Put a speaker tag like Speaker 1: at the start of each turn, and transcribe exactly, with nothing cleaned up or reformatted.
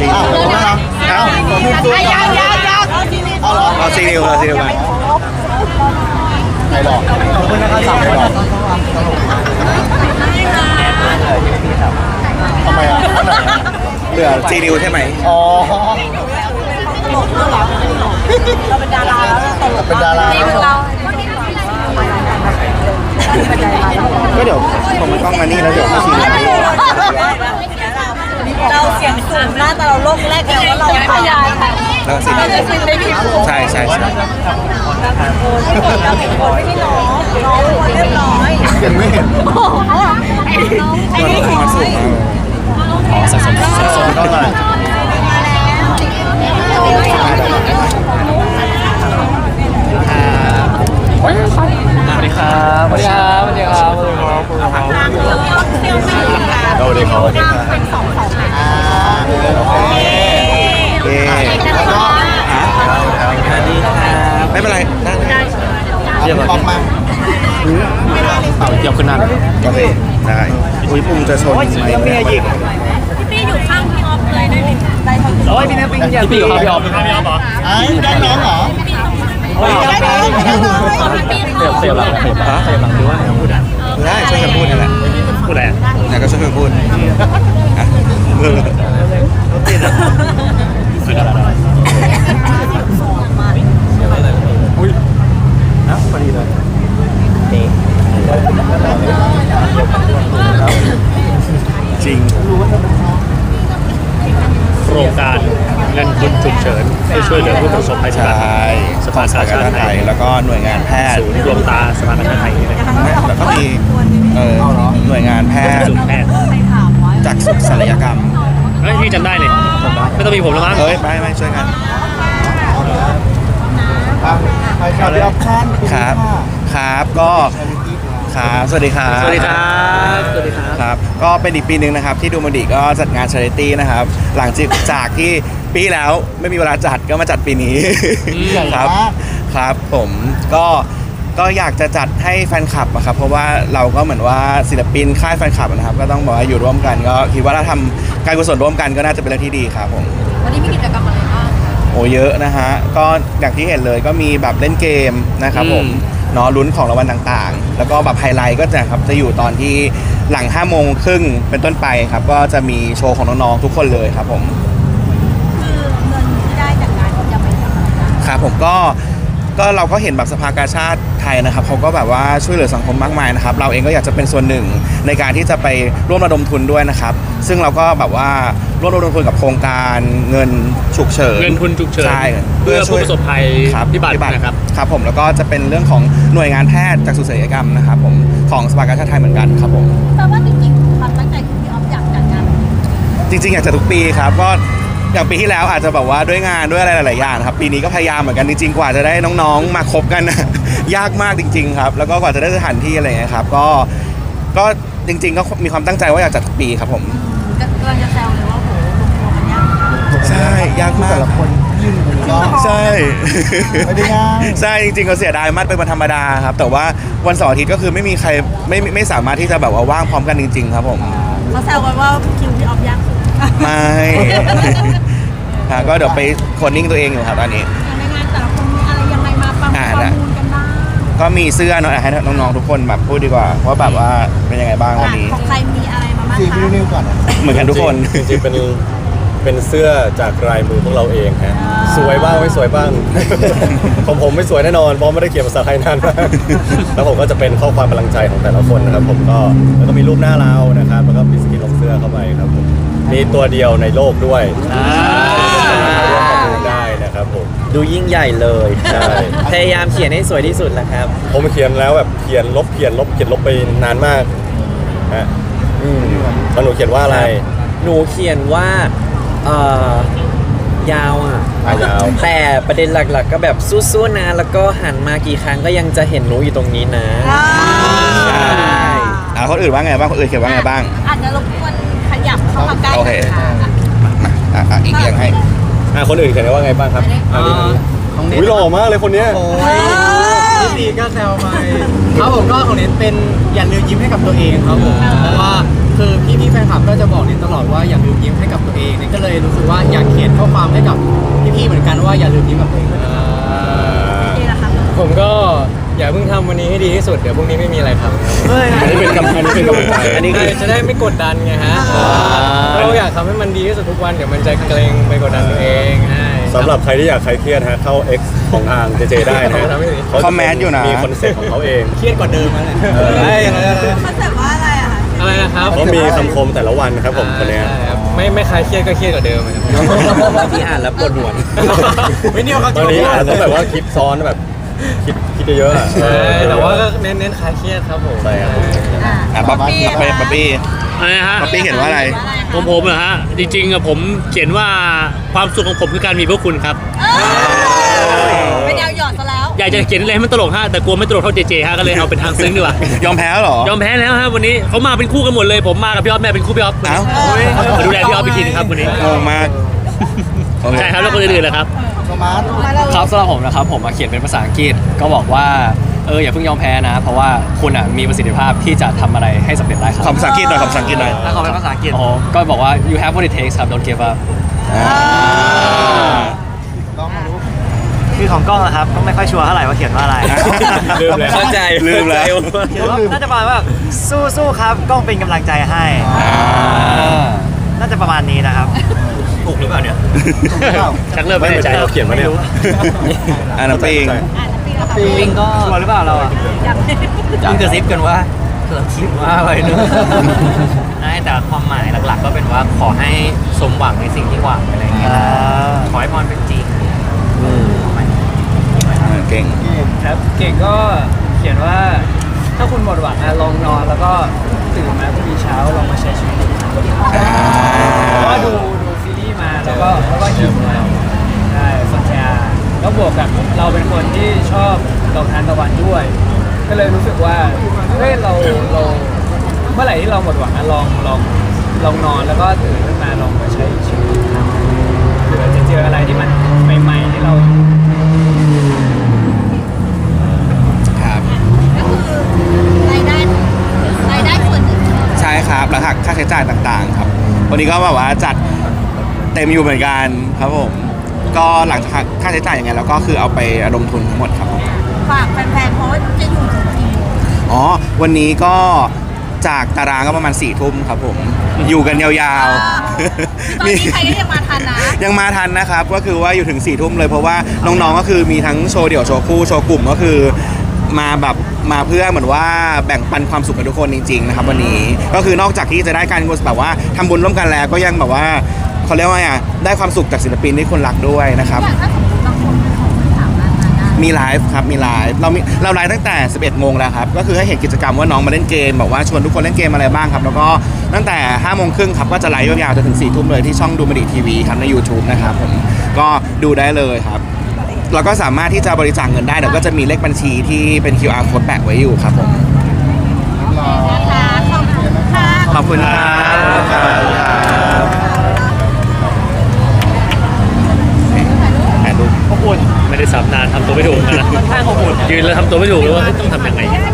Speaker 1: ซีนิวเอ้า
Speaker 2: ยังยังยัง
Speaker 1: เอาเหรอเอาซีนิวเอาซีนิวกันใครหลอกขอบคุณนะครับสามใครหลอกทำไมอ่ะเหลือซีนิวใช่ไหมอ๋อ
Speaker 2: เราเป็นดาราแล้วเราเป็น
Speaker 1: ดาราก็เดี๋ยวผมมันต้องมานี่แล้วเดี๋ยวมาซีนิว
Speaker 2: เราเสียงสูงมากแต่เราโลกแรกแล้วว่าเราพยาน
Speaker 1: แล้วซีนิวใช่ใช่ใช่
Speaker 2: เราเห็นคนไม่ได้น้องน้องคนเรียบร้อย
Speaker 1: ยังไม่เห็น
Speaker 2: ไอ้นี่เห็น
Speaker 1: มันสูงอ๋อสะสมสะสมก็มาสวัสดีครับสวัสดีครับสวัสดีครับสวัสดีครับสวัสดีครับสวัสดีครับสวัสดีครับโอเคโอเคแล้วก็สวัสดีครับไม่เป็นไรนั่งเดี๋ยวออกมาเดี๋ยวขึ้นนั่งโอเคได้อุ้ยปุ่มจะชนไหมเนี่ยหยิบ
Speaker 2: พี่อยู่ข้างพี่ออฟเลยได้ไหมได้ทั้ง
Speaker 1: โอ้ยพี่เนี่ยพี่เนี่ยพี่อยู่ข้างพี่ออฟพี่ออฟเหรอไอ้ได้น้องเหรอ
Speaker 2: ได้น้องได้น้อง
Speaker 1: เสียบเสียบหลังเสียบหลังเสียบหลังดูว่าพูดได้ช่วยกันพูดนี่แหละพูดอะไรเนี่ยก็ช่วยกันพูดอ่ะพูดอุ้ยนะพอดีเลยจริง
Speaker 3: โครงการเงินทุนฉุกเฉินให้ช่วยเหลือผู้ประสบภัยจากสภากาชาติไทย
Speaker 1: แล้วก็หน่วยงานแพทย์
Speaker 3: ศูนย์รวมตาสภากาชาติไทยนี่นะครับ
Speaker 1: แล้วก็มีหน่วยงานแพทย์จากสุขศัลยกรรม
Speaker 3: เฮ้ยพี่จำได้เลยไม่ต้องมีผมแล้วมั้ง
Speaker 1: เฮ้ยไม่ไม่ช่วยกันครับครับครับก็ครับสวัสดีครับ
Speaker 3: สวัสดีครับสวัสดีครับ
Speaker 1: ครับก็เป็นอีกปีหนึ่งนะครับที่ดูมันดีก็จัดงาน Charity นะครับหลังจากที่ปีแล้วไม่มีเวลาจัดก็มาจัดปีนี้ครับครับผมก็ก็อยากจะจัดให้แฟนคลับอะครับเพราะว่าเราก็เหมือนว่าศิลปินค่ายแฟนคลับนะครับก็ต้องบอกว่าอยู่ร่วมกันก็คิดว่าถ้าทำการกุศลร่วมกันก็น่าจะเป็นเรื่องที่ดีครับผม
Speaker 2: วันนี้มีกิจกรรมอะไรบ้าง
Speaker 1: โอ้เยอะนะฮะก็อย่างที่เห็นเลยก็มีแบบเล่นเกมนะครับผมเนาะลุ้นของรางวัลต่างๆแล้วก็แบบไฮไลท์ก็จะครับจะอยู่ตอนที่หลังห้าโมงครึ่งเป็นต้นไปครับก็จะมีโชว์ของน้องๆทุกคนเลยครับผม
Speaker 2: คือเงินที่ได้จากงานจะไปทำอะไร
Speaker 1: ครับผมก็ก็เราก็เห็นแบบสภากาชาติไทยนะครับเขาก็แบบว่าช่วยเหลือสังคมมากมายนะครับเราเองก็อยากจะเป็นส่วนหนึ่งในการที่จะไปร่วมระดมทุนด้วยนะครับซึ่งเราก็แบบว่าร่วมระดมทุนกับโครงการเงินฉุกเฉิน
Speaker 3: เงินทุนฉุกเฉิน
Speaker 1: ใช่
Speaker 3: เพื่อผู้ประสบภัยพิบัตินะครับ
Speaker 1: ครับผมแล้วก็จะเป็นเรื่องของหน่วยงานแพทย์จากสุขศัลยกรรมนะครับผมของสภากาชาติไทยเหมือนกันครับผม
Speaker 2: แต่ว่าจริงๆความตั้งใจคือพี่ออฟอยากจัดงาน
Speaker 1: จริงๆอยากจัดทุกปีครับก็อย่างปีที่แล้วอาจจะแบบว่าด้วยงานด้วยอะไรหลายๆอย่างครับปีนี้ก็พยายามเหมือนกันจริงๆกว่าจะได้น้องๆมาคบกันยากมากจริงๆครับแล้วก็กว่าจะได้สถานที่อะไรเงี้ยครับก็ก็จริงๆก็มีความตั้งใจว่าอยากจัดทุกปีครับผม
Speaker 2: กำลังจะแซวเลยว่าโหลงตัวมันยาก
Speaker 1: ใช่ยากมากแต่ละคนยิ่งใช่ไม่ได้ง่ายใช่จริงๆก็เสียดายมากเป็นวันธรรมดาครับแต่ว่าวันเสาร์อาทิตย์ก็คือไม่มีใครไม่ไม่สามารถที่จะแบบว่าว่างพร้อมกันจริงๆครับผม
Speaker 2: เขาแซวกันว่าคิวพี่ออฟยาก
Speaker 1: ไม่ก็เดี๋ยวไปโคนนิ่งตัวเองอยู่ครับตอนนี้
Speaker 2: ในงานแต่ละคนมีอะไรยังไงมาประมูลกันบ้าง
Speaker 1: ก็มีเสื้อเนาะให้น้องๆทุกคนแบบพูดดีกว่าว่าแบบว่าเป็นยังไงบ้างวันนี้
Speaker 2: ของใครมีอะไรมาบ้างคะ
Speaker 1: นิ้วก่อนเหมือนกันทุกคน
Speaker 4: จริงๆเป็นเป็นเสื้อจากลายมือพวกเราเองฮะสวยบ้างไม่สวยบ้างของผมไม่สวยแน่นอนเพราะไม่ได้เขียนภาษาไทยนานมากแล้วผมก็จะเป็นข้อความกำลังใจของแต่ละคนนะครับผมก็แล้วก็มีรูปหน้าเรานะครับแล้วก็มีสกินลงเสื้อเข้าไปครับผมมีตัวเดียวในโลกด้วยร่วมประมูลได้นะครับผม
Speaker 5: ดูยิ่งใหญ่เลยพยายามเขียนให้สวยที่สุดแหละครับ
Speaker 4: ผมเขียนแล้วแบบเขียนลบเขียนลบเขียนลบไปนานมากฮะอืมแล้วหนูเขียนว่าอะไร
Speaker 5: หนูเขียนว่าเอ่อยาวอ่ะ
Speaker 4: ยาว
Speaker 5: แต่ประเด็นหลักๆก็แบบสู้ๆนะแล้วก็หันมากี่ครั้งก็ยังจะเห็นหนูอยู่ตรงนี้นะ
Speaker 1: ใช่อ่าคนอื่นว่าไงบ้างคนอื่นเขียนว่าไงบ้าง
Speaker 2: อาจจะรบกวนขยับเข้ามาใกล้ค่ะ
Speaker 1: มาอีกอย่างให้
Speaker 4: อ่าคนอื่นเขียนว่าไงบ้างครับอันนี้อุ้ยหล่อมากเลยคนเนี้ย
Speaker 6: พี่ตีก็แซวไปครับผมก็ของเน้นเป็นอย่าลืมยิ้มให้กับตัวเองครับผมเพราะว่าเคคือพี่พี่ๆแฟนคลับก็จะบอกนิดตลอดว่าอย่าลืมยิ้มให้กับตัวเองเนี่ยก็เลยรู้สึกว่าอยากเขียนข้อความให้กับพี่พี่ๆเหมือนกันว่าอย่าลืมยิ้มกับตัวเองด้วยนะ
Speaker 2: นี่แหละครับ
Speaker 7: ผมก็อย่าเพิ่งทำวันนี้ให้ดีที่สุดเดี๋ยวพรุ่งนี้ไม่มีอะไรทำ
Speaker 6: เฮ้ย
Speaker 4: อันนี้เป็นกำอันนี้เป็นกำลังใจ
Speaker 5: อันนี้คือ
Speaker 7: จะได้ไม่กดดันไงฮะเราอยากทำให้มันดีที่สุดทุกวันเดี๋ยวมันจะเกรงไปกดดันตัวเองใช่
Speaker 4: สำหรับใครที่อยากคลายเครียดฮะเข้า X ของทางเจเจได้นะฮะ
Speaker 1: เขาคอมเมนต์อยู่นะ
Speaker 4: มีคอนเซ็ปต์ของเขาเอง
Speaker 6: เครียดกว่าเดิมแล้วแหละ
Speaker 4: เออ
Speaker 7: ใช่ใช่
Speaker 2: คอนเซ็ปต์ว่าอะไรอะคะ
Speaker 7: อะไรนะครับ
Speaker 4: เขามีคำคมแต่ละวันนะครับผมคนเนี้ย
Speaker 7: ใช่ครับไม่ไม่คลายเครียดก็เครียดกว่าเดิมครับ
Speaker 5: บางทีอ่านแล้วปวดหัว
Speaker 6: ไม่เนี่ยเขา
Speaker 4: ตอนนี้อาจจะแบบว่าคิดซ้อนแบบคิดคิดเยอะๆอะ
Speaker 7: ใช่แต่ว่าก็เน้นเน้นคลายเครียดครับผม
Speaker 4: ใช่ครับ
Speaker 2: อ่ะ
Speaker 1: อ่ะป๊อปปี้ป๊อปปี้
Speaker 3: อะไรนะฮะ
Speaker 1: ป๊อปปี้เห็นว่าอะไร
Speaker 3: ผมผมเหรอฮะจริงๆอะผมเขียนว่าความสุขของผมคือการมีพวกคุณครับ
Speaker 2: เอ้ยเป็นยาวหยอดซะแล้ว
Speaker 3: อยากจะเขียนอะไรให้มันตลกฮะแต่กลัวไม่ตลกเท่าเจเจฮะก็เลยเอาเป็นทางซึ้งดีกว่าย
Speaker 1: อมแพ้แล้วเหรอ
Speaker 3: ยอมแพ้แล้วฮะวันนี้เขามาเป็นคู่กันหมดเลย ผมมากับพี่ออฟแม่เป็นคู่พี่ออฟ
Speaker 1: เอ้า
Speaker 3: มาดูแลพี่ออฟอีกทีนึงครับวันนี้
Speaker 1: งงมากโอเค
Speaker 3: ใช่ครับแล้วคนอื่นๆนะครับ
Speaker 7: ครับสำหรับผมนะครับผมมาเขียนเป็นภาษาอังกฤษก็บอกว่าเอออย่าเพิ่งยอมแพ้นะ เพราะว่าคุณอ่ะมีประสิทธิภาพที่จะทำอะไรให้สำเร็จได้ครั
Speaker 1: ขอภาษาอังกฤษหน่อยขอภาษาอังกฤษหน่อย
Speaker 7: ถ้าเขาเป็นภาษาอังกฤษอ๋อก็บอกว่า you have what it takes ครับ don't give up
Speaker 6: คือของกล้องนะครับก็ไม่ค่อยชัวร์เท่าไหร่ว่าเขียนว่าอะไร
Speaker 4: ลืมเลย
Speaker 5: เข้าใจ
Speaker 1: ลืมแล้ว
Speaker 6: เขียนว่าน่าจะประมาณว่าสู้สู้ๆครับกล้องเป็นกำลังใจให้ น่าจะประมาณนี้นะครับ
Speaker 5: ถูกหรือเปล่าเนี่ย
Speaker 3: ชักเริ่ม
Speaker 4: ไม่
Speaker 3: ไม่
Speaker 4: เหมื
Speaker 3: แน่
Speaker 4: อน
Speaker 3: ใจ
Speaker 4: ใจเขาเขียนมาเนี่ย
Speaker 1: อ่ะน้ำปิง
Speaker 2: อ่ะแล้วปีละครับ
Speaker 6: ปิงก็ชัวร์หรือเปล่าเราอ่ะ
Speaker 2: อยาก
Speaker 5: ยังกระซิบกันว่าเราคิดว่าอะไรเนอะใช่แต่ความหมายหลักๆ ก็เป็นว่าขอให้สมหวังในสิ่งที่หวังอะไรอย่างเงี้ยขอให้พรเป็นจริง
Speaker 1: อ่าเก่ง
Speaker 7: ครับเก่งก็เขียนว่าถ้าคุณหมดหวังอะลองนอนแล้วก็ตื่นมาพรุ่งนี้เช้าลองมาใช้ชีวิตอีกครั้งเพราะว่าดูดูซีรีส์มาแล้วก็แล้วก็หิวมาใช่สนใจแล้วบวกกับเราเป็นคนที่ชอบดอกทานตะวันด้วย ก็เลยรู้สึกว่าเฮ้ยเราเราเมื่อไหร่ที่เราหมดหวังอะลองลองลองนอนแล้วก็ตื่นขึ้นมาลองมาใช้ชีวิตอีกครั้งเผื่อจะเจออะไรที่มันใหม่ๆที่เรา
Speaker 1: ครับ
Speaker 2: ก็คือรายได้รายได้ส่วนหนึ่ง
Speaker 1: ใช่ครับแล้วหักค่าใช้จ่ายต่างๆ ครับ วันนี้ก็แบบว่าจัดเต็มอยู่เหมือนกันครับผม ก็หลังจากหักค่าใช้จ่ายยังไงแล้วก็คือเอาไประดมทุนทั้งหมดครับผม
Speaker 2: ฝากแฟนๆเพราะว่าจะอยู่ถึงกี่โมง
Speaker 1: อ๋อ วันนี้ก็จากตารางก็ประมาณสี่ทุ่มครับผม อยู่กันยาวๆ
Speaker 2: ตอนนี้ใครก็ยังมาทันนะ
Speaker 1: ยังมาทันนะครับ ก็คือว่าอยู่ถึง4ี่ทุ่มเลยเพราะว่าน้องๆก็คือมีทั้งโชว์เดี่ยวโชว์คู่โชว์กลุ่มก็คือมาแบบมาเพื่อเหมือนว่าแบ่งปันความสุขกับทุกคนจริงๆนะครับวันนี้ก็คือนอกจากที่จะได้การแบบว่าทำบุญร่วมกันแล้วก็ยังแบบว่าเขาเรียกว่าไงอ่ะได้ความสุขจากศิลปินที่คนรักด้วยนะครับ
Speaker 2: อย่างถ้าสมมติบางคนเขาไม่สามารถมาได้
Speaker 1: มีไลฟ์ครับมีไลฟ์เรามีเราไลฟ์ตั้งแต่สิบเอ็ดโมงแล้วครับก็คือให้เห็นกิจกรรมว่าน้องมาเล่นเกมบอกว่าชวนทุกคนเล่นเกมอะไรบ้างครับแล้วก็ตั้งแต่ห้าโมงครึ่งครับก็จะไลฟ์ยาวๆจนถึงสี่ทุ่มเลยที่ช่องดูมันดีทีวีครับใน YouTube นะครับผมก็ดูได้เลยครับเราก็สามารถที่จะบริจาคเงินได้เดี๋ยวก็จะมีเลขบัญชีที่เป็น คิว อาร์ code แปะไว้อยู่ครับผม
Speaker 2: นะคะขอบคุณค่ะ
Speaker 1: ขอบคุณครับถ่ายรูป
Speaker 3: อบอุ่นไม่ได้สับนานทำตัวไม่ถูกเหมือนกันนะ
Speaker 7: ค่อนข้างอบอุ่น
Speaker 3: ยืนแล้วทำตัวไม่ถูกเลยว่าต้องทำยังไง